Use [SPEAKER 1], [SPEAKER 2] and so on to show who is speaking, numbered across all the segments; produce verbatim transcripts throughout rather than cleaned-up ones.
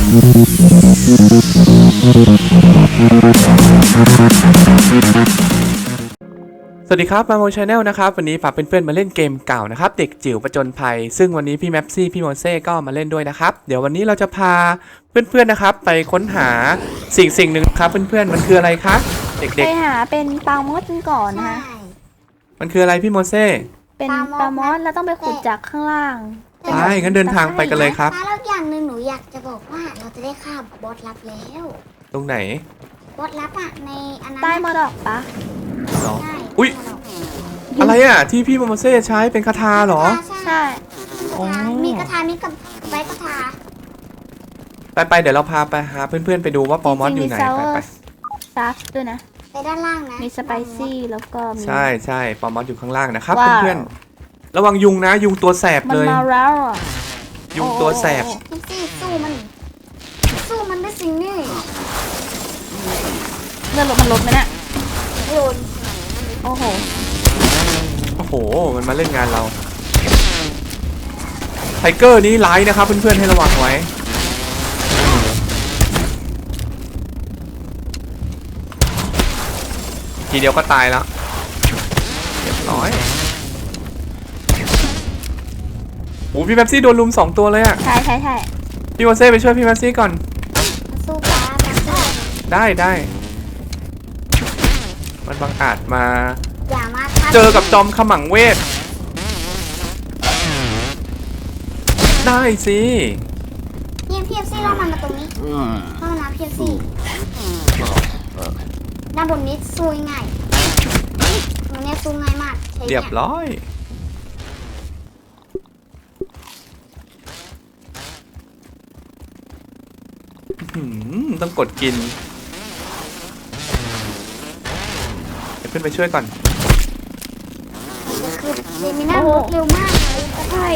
[SPEAKER 1] สวัสดีครับมาโมชาแนลนะครับวันนี้พาเพื่อนๆมาเล่นเกมเก่านะครับเด็กจิ๋วประจนภัยซึ่งวันนี้พี่แมปซี่พี่โมเซ่ก็มาเล่นด้วยนะครับเดี๋ยววันนี้เราจะพาเพื่อนๆนะครับไปค้นหาสิ่งสิ่งหนึ่งครับเพื่อนๆมันคืออะไรคะเด็กๆ
[SPEAKER 2] ไปหาเป็นปลามอสกันก่อนนะคะ
[SPEAKER 1] มันคืออะไรพี่โมเซ่
[SPEAKER 2] เป็นปลามอสแล้วต้องไปขุดจากข้างล่าง
[SPEAKER 1] ใช่งั้นเดินทางไปกันเลยครับ
[SPEAKER 3] แล้วอย่างหนึ่งหนูอยากจะบอกว่าเราจะได้ฆ่าบอสลับแล้ว
[SPEAKER 1] ตรงไหน
[SPEAKER 3] บอสลับอะในอันนั้น
[SPEAKER 2] ใต้มอดอกปะ
[SPEAKER 3] ใช่
[SPEAKER 1] อุ๊ยอะไรอ่ะที่พี่โมเซ่ใช้เป็นคาถาเหรอ
[SPEAKER 2] ใช่
[SPEAKER 3] มีกระทามีกับใบกระทา
[SPEAKER 1] ไปไปเดี๋ยวเราพาไปหาเพื่อนๆไปดูว่าปอมอสอยู่ไหนไปไป
[SPEAKER 2] ซัสด้วยนะ
[SPEAKER 3] ไปด้านล่างนะ
[SPEAKER 2] มีสไปซี่แล้วก็มี
[SPEAKER 1] ใช่ใช่ปอมอสอยู่ข้างล่างนะครับเพื่อนๆระวังยุงนะยุงตัวแสบเลย
[SPEAKER 2] มันมาแล้วอ่ะ
[SPEAKER 1] ยุงตัวแสบ
[SPEAKER 3] ซี่สู้มันสู้มันได้สิ่งนี้
[SPEAKER 2] เลือดลดมันลดไหมเนี่ย
[SPEAKER 3] โดน
[SPEAKER 2] โอ้โห
[SPEAKER 1] โอ้โหมันมาเล่นงานเราไทเกอร์นี้ไลท์นะครับเพื่อนๆให้ระวังไว้ทีเดียวก็ตายแล้วเรียบร้อยโอ้พี่แม็ปซี่โดนลุมสองตัวเลยอะ
[SPEAKER 2] ใช่ใช่ใช่
[SPEAKER 1] พี่โมเซ่ไปช่วยพี่แม็ปซี่ก่อน
[SPEAKER 3] สู้ป้า
[SPEAKER 1] ได้ได้มันบังอาจมา
[SPEAKER 3] เจ
[SPEAKER 1] อกับจอมขมังเวทได้สิ
[SPEAKER 3] เพียบเพียบซี่ล่อมันมาตรงนี้ล่อมาเพียบซี่ด้านบนนี้สู้ง่ายตรงนี้สู้ง่ายมาก
[SPEAKER 1] เรียบร้อยต้องกดกินเดี๋ยวขึ้นไปช่วยก่อน
[SPEAKER 3] คือเรมิน่ารถเร็วมากเลย
[SPEAKER 2] ใช่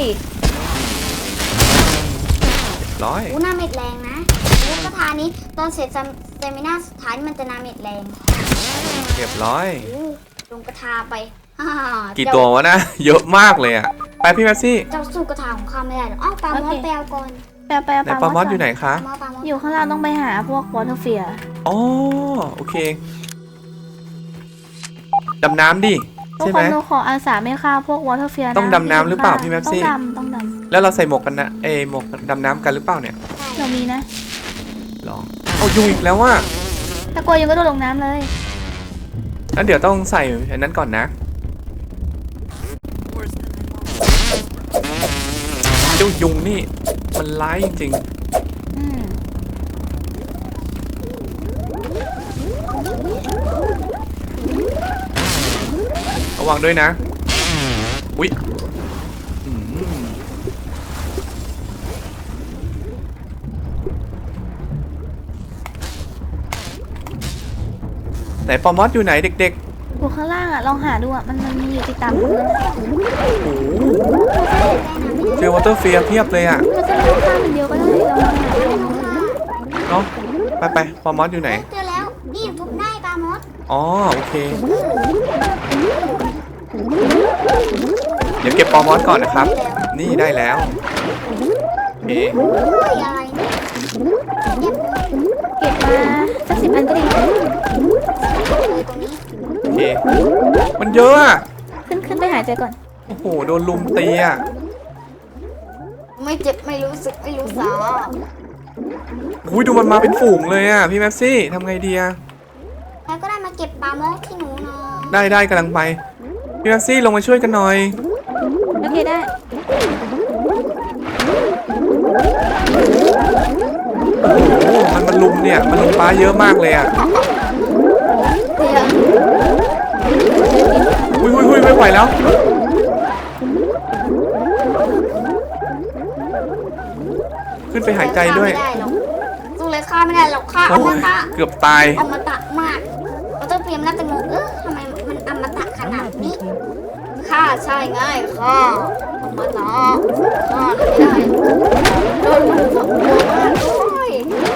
[SPEAKER 1] ร้อย
[SPEAKER 3] อู้หน้าเม็ดแรงนะลูกกระทานี้ตอนเสร็จเรมิน่าสุดท้ายมันจะหน้าเม็ดแรง
[SPEAKER 1] เรียบร้อย
[SPEAKER 3] ลงกระทาไป
[SPEAKER 1] กี่ตัววะนะเยอะมากเลยอ่ะไปพี่แม็ปซี่
[SPEAKER 3] เจ้าสู้กระทาของข้าไม่ได้หรอกอ้าวปลามอสแปลก่อน
[SPEAKER 2] แปลแปล
[SPEAKER 1] ปลามอสอยู่ไหนคะ
[SPEAKER 2] อยู่ข้างล่างต้องไปหาพวกวอเตอร์เฟียร์
[SPEAKER 1] อ๋อโอเคดำน้ำดิใช่ไหม
[SPEAKER 2] เราขออาสาไม่ฆ่าพวกวอเตอร์เฟียร์
[SPEAKER 1] ต้องดำน้ำหรือเปล่าพี่แม็ปซี่
[SPEAKER 2] ต้องดำต้องดำ
[SPEAKER 1] แล้วเราใส่หมวกกันนะเอหมวกดำน้ำกันหรือเปล่าเนี่ย
[SPEAKER 2] เรามีนะ
[SPEAKER 1] ลองเอายุงอีกแล้วว่ะ
[SPEAKER 2] ถ้ากลัวยุงก็โดดลงน้ำเลย
[SPEAKER 1] แล้วเดี๋ยวต้องใส่อันนั้นก่อนนะเจ้ายุงนี่มันร้ายจริงๆระวังด้วยนะอุ๊ยไหนปอมอสอยู่ไหนเด็ก
[SPEAKER 2] ๆอยู่ข้างล่างอ่ะลองหาดูอ่ะมันมันมีอยู่ติดตามพื้น
[SPEAKER 1] เจอวอเตอร์เฟียร์เพียบเลยอ่ะ
[SPEAKER 2] มันจะไม่ฆ่ามันเดียวก็ได้
[SPEAKER 1] เนาะไปไปปอมอสอยู่ไหน
[SPEAKER 3] เจอแล้วนี่ทุบได้ปอมอส
[SPEAKER 1] อ๋อโอเคเดี๋ยวเก็บปอมอสก่อนนะครับนี่ได้แล้วโอเค
[SPEAKER 2] เก็บมาสักสิบอันก็ดี
[SPEAKER 1] โอเคมันเยอะอะ
[SPEAKER 2] ขึ้นขึ้นไปหายใจก่อน
[SPEAKER 1] โอ้โหโดนลุมตีอะ
[SPEAKER 3] ไม่เจ็บไม่รู้สึกไม่รู้สา
[SPEAKER 1] อุ้ยดูมันมาเป็นฝูงเลยอะพี่แม็ปซี่ทำไงดีอะ
[SPEAKER 3] แล้วก็ได้มาเก็บปลามอสที่หนูนอน
[SPEAKER 1] ได้ได้กำลังไปพี่แม็ปซี่ลงมาช่วยกันหน่อย
[SPEAKER 2] โอเคได้
[SPEAKER 1] โอ้โหมันมันลุมเนี่ยมันลุมป้าเยอะมากเลยอะอุ้ยอุ้ยอุ้ยไม่ไหวแล้วขึ้นไปหายใจด้วย
[SPEAKER 3] สู้เลยฆ่าไม่ได้หรอกฆ่าอมตะ
[SPEAKER 1] เกือบตาย
[SPEAKER 3] อมตะมากเราต้องเตรียมน่าจะงงเออทำไมมันอมตะขนาดนี้ฆ่าใช่ง่ายฆ่าอมตะฆ่าไม่ได้โดนมันสองตัวมากด้วย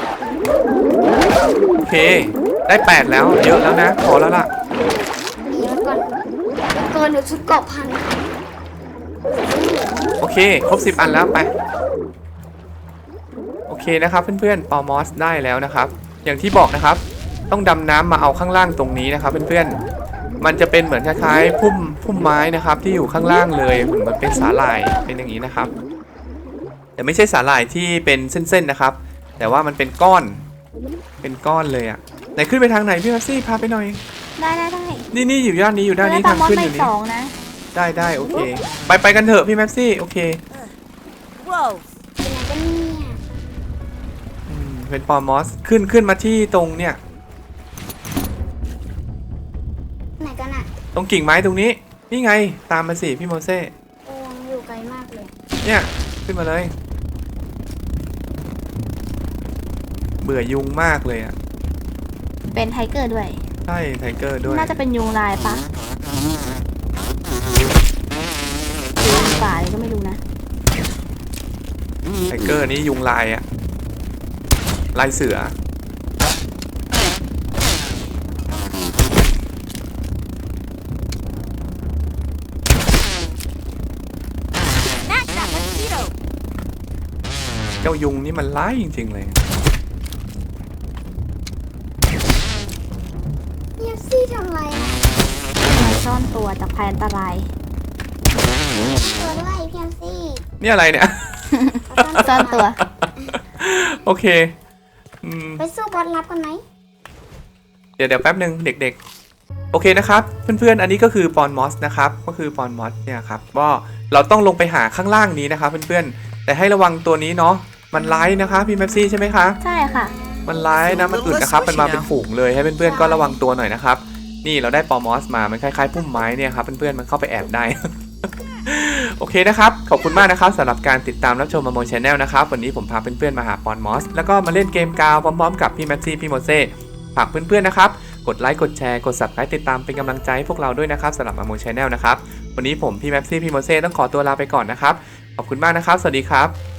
[SPEAKER 1] โอเคได้แปดแล้วเยอะแล้วนะพอแล้วล่ะ
[SPEAKER 3] เดี๋ยวก่อนเกินเดี๋ยวชุดเกาะพัน
[SPEAKER 1] โอเคครบสิบอันแล้วไปโอเคนะครับเพื่อนๆปอมอสได้แล้วนะครับอย่างที่บอกนะครับต้องดำน้ำมาเอาข้างล่างตรงนี้นะครับเพื่อนๆมันจะเป็นเหมือนคล้ายๆพุ่มพุ่มไม้นะครับที่อยู่ข้างล่างเลยเหมือนมันเป็นสาหร่ายเป็นอย่างนี้นะครับแต่ไม่ใช่สาหร่ายที่เป็นเส้นๆนะครับแต่ว่ามันเป็นก้อนเป็นก้อนเลยอ่ะไหนขึ้นไปทางไหนพี่แม็กซี่พาไปหน่อย
[SPEAKER 2] ได้ได้ได้
[SPEAKER 1] นี่นี่อยู่ด้านนี้อยู่ด้านนี้
[SPEAKER 2] ได้ปลา
[SPEAKER 1] ทาง
[SPEAKER 2] มอส
[SPEAKER 1] ขึ้น
[SPEAKER 2] ไป
[SPEAKER 1] อยู่
[SPEAKER 2] ส
[SPEAKER 1] นี่
[SPEAKER 2] องนะ
[SPEAKER 1] ได้ได้โอเคไปไปกันเถอะพี่แม็กซี่โอเค
[SPEAKER 4] Whoa.
[SPEAKER 3] เป็นไงกันเนี่ย
[SPEAKER 1] อืมเป็นปอมอสขึ้นขึ้นมาที่ตรงเนี่ย
[SPEAKER 3] ไหนกันอะ
[SPEAKER 1] ตรงกิ่งไม้ตรงนี้นี่ไงตามมาสิพี่โมเซ่
[SPEAKER 3] โอ้ยอยู่ไกลมากเลย
[SPEAKER 1] เนี่ยขึ้นมาเลยเบื่อยุงมากเลยอ่ะ
[SPEAKER 2] เป็นไทเกอร์ด้วย
[SPEAKER 1] ใช่ไทเกอร์ด้วย
[SPEAKER 2] น่าจะเป็นยุงลายปะยุงป่าเลยก็ไม่รู้นะ
[SPEAKER 1] ไทเกอร์นี่ยุงลายอ่ะลายเสือ
[SPEAKER 4] Snatch that mosquito.
[SPEAKER 1] เจ้ายุงนี่มันร้ายจริงๆเลย
[SPEAKER 3] เยซี่ทำอะไรอะ
[SPEAKER 2] มาซ่อนตัวจากภัยอันตราย
[SPEAKER 3] ตัวด้วยพี่เยซี่
[SPEAKER 1] นี่อะไรเนี่ย
[SPEAKER 2] ซ่อนตัว
[SPEAKER 1] โอเคอืม
[SPEAKER 3] ไปสู้บอสลับกันไหม
[SPEAKER 1] เดี๋ยวเดี๋ยวแป๊บหนึ่งเด็กๆโอเคนะครับเพื่อนๆอันนี้ก็คือปอนมอสนะครับก็คือปอนมอสเนี่ยครับก็เราต้องลงไปหาข้างล่างนี้นะครับเพื่อนๆแต่ให้ระวังตัวนี้เนาะมันร้ายนะคะพี่แม็ปซี่ใช่ไหมคะ
[SPEAKER 2] ใช่ค่ะ
[SPEAKER 1] มันร้ายนะมันอึดนะครับมันมาเป็นฝูงเลยให้เพื่อนๆก็ระวังตัวหน่อยนะครับนี่เราได้ปอมอสมามันคล้ายๆพุ่มไม้เนี่ยครับเพื่อนๆมันเข้าไปแอบได้ โอเคนะครับขอบคุณมากนะครับสำหรับการติดตามรับชมมาโมชแนลนะครับวันนี้ผมพาเพื่อนๆมาหาปอนมอสแล้วก็มาเล่นเกมกาวพร้อมๆกับพี่แม็ปซี่พี่โมเซ่ฝากเพื่อนๆนะครับกดไลค์กดแชร์กด ซับสไครบ์ ติดตามเป็นกำลังใจให้พวกเราด้วยนะครับสำหรับมาโมชแนลนะครับวันนี้ผมพี่แม็ปซี่พี่โมเซ่ต้องขอตัวลาไปก่อนนะครับขอบคุณมากนะครับสวัสดีครับ